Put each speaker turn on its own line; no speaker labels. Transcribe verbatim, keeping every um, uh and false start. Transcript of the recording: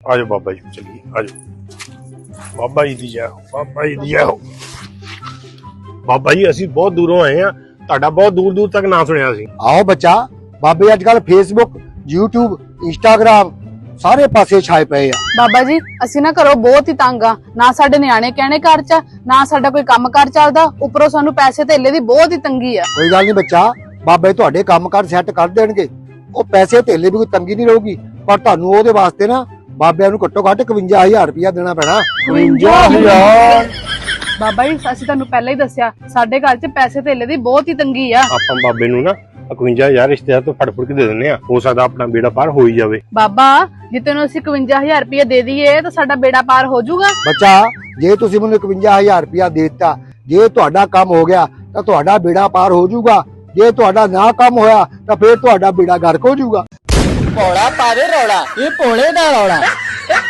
ਆਜੋ ਬਾਬਾ ਜੀ ਚੱਲੀਏ ਆਜੋ ਬਾਬਾ ਜੀ ਦੀ ਜੈ ਹੋ ਬਾਬਾ ਜੀ ਦੀ ਜੈ ਹੋ। ਬਾਬਾ ਜੀ ਅਸੀਂ ਬਹੁਤ ਦੂਰੋਂ ਆਏ ਆ, ਤੁਹਾਡਾ ਬਹੁਤ ਦੂਰ ਦੂਰ ਤੱਕ ਨਾਂ ਸੁਣਿਆ ਸੀ।
ਆਓ ਬੱਚਾ, ਬਾਬੇ ਅੱਜ ਕੱਲ ਫੇਸਬੁੱਕ, ਯੂਟਿਊਬ, ਇੰਸਟਾਗ੍ਰਾਮ ਸਾਰੇ ਪਾਸੇ ਛਾਏ ਪਏ ਆ।
ਬਾਬਾ ਜੀ ਅਸੀਂ ਨਾ ਘਰੋਂ ਬਹੁਤ ਹੀ ਤੰਗ ਆ, ਨਾ ਸਾਡੇ ਨਿਆਣੇ ਕਹਿਣੇ ਘਰ ਚ, ਨਾ ਸਾਡਾ ਕੋਈ ਕੰਮ ਕਾਰ ਚੱਲਦਾ, ਉੱਪਰੋਂ ਸਾਨੂੰ ਪੈਸੇ ਧੇਲੇ ਦੀ ਬਹੁਤ ਹੀ ਤੰਗੀ ਆ।
ਕੋਈ ਗੱਲ ਨਹੀਂ ਬੱਚਾ, ਬਾਬੇ ਤੁਹਾਡੇ ਕੰਮ ਕਾਰ ਸੈੱਟ ਕਰ ਦੇਣਗੇ। ਉਹ ਪੈਸੇ ਧੇਲੇ ਵੀ ਕੋਈ ਤੰਗੀ ਨਹੀਂ ਰਹੂਗੀ, ਪਰ ਤੁਹਾਨੂੰ ਉਹਦੇ ਵਾਸਤੇ ਨਾ ਬਾਬਿਆਂ ਨੂੰ ਘੱਟੋ ਘੱਟ ਇਕਵੰਜਾ ਹਜ਼ਾਰ ਰੁਪਇਆ ਦੇਣਾ ਪੈਣਾ।
ਇਕਵੰਜਾ ਹਜ਼ਾਰ ਬਾਬਾ ਜੀ ਅਸੀਂ ਤੁਹਾਨੂੰ ਪਹਿਲਾਂ ਹੀ ਦੱਸਿਆ, ਸਾਡੇ ਘਰ ਚ ਪੈਸੇ ਧੇਲੇ ਦੀ ਬਹੁਤ ਹੀ ਤੰਗੀ ਆ।
ਆਪਾਂ ਬਾਬੇ ਨੂੰ ਨਾ ਇਕਵੰਜਾ ਹਜ਼ਾਰ ਰਿਸ਼ਤੇਦਾਰ ਤੋਂ ਫੜ ਫੜ ਕੇ ਦੇ ਦਿੰਦੇ ਆ, ਹੋ ਸਕਦਾ ਆਪਣਾ ਬੇੜਾ ਪਾਰ ਹੋ ਹੀ ਜਾਵੇ।
ਬਾਬਾ ਜੇ ਤੈਨੂੰ ਅਸੀਂ ਇਕਵੰਜਾ ਹਜ਼ਾਰ ਰੁਪਇਆ ਦੇ ਦਈਏ ਤਾਂ ਸਾਡਾ ਬੇੜਾ ਪਾਰ ਹੋ ਜਾਊਗਾ।
ਬੱਚਾ ਜੇ ਤੁਸੀਂ ਮੈਨੂੰ ਇਕਵੰਜਾ ਹਜ਼ਾਰ ਰੁਪਇਆ ਦੇ ਦਿੱਤਾ, ਜੇ ਤੁਹਾਡਾ ਕੰਮ ਹੋ ਗਿਆ ਤਾਂ ਤੁਹਾਡਾ ਬੇੜਾ ਪਾਰ ਹੋ ਜਾਊਗਾ। ਜੇ ਤੁਹਾਡਾ ਨਾ ਕੰਮ ਹੋਇਆ ਤਾਂ ਫਿਰ ਤੁਹਾਡਾ ਬੇੜਾ ਗਰਕ ਹੋ ਜਾਊਗਾ।
ਭੋਲਾ ਪਾਵੇ ਰੌਲਾ, ਇਹ ਭੋਲੇ ਦਾ ਰੌਲਾ।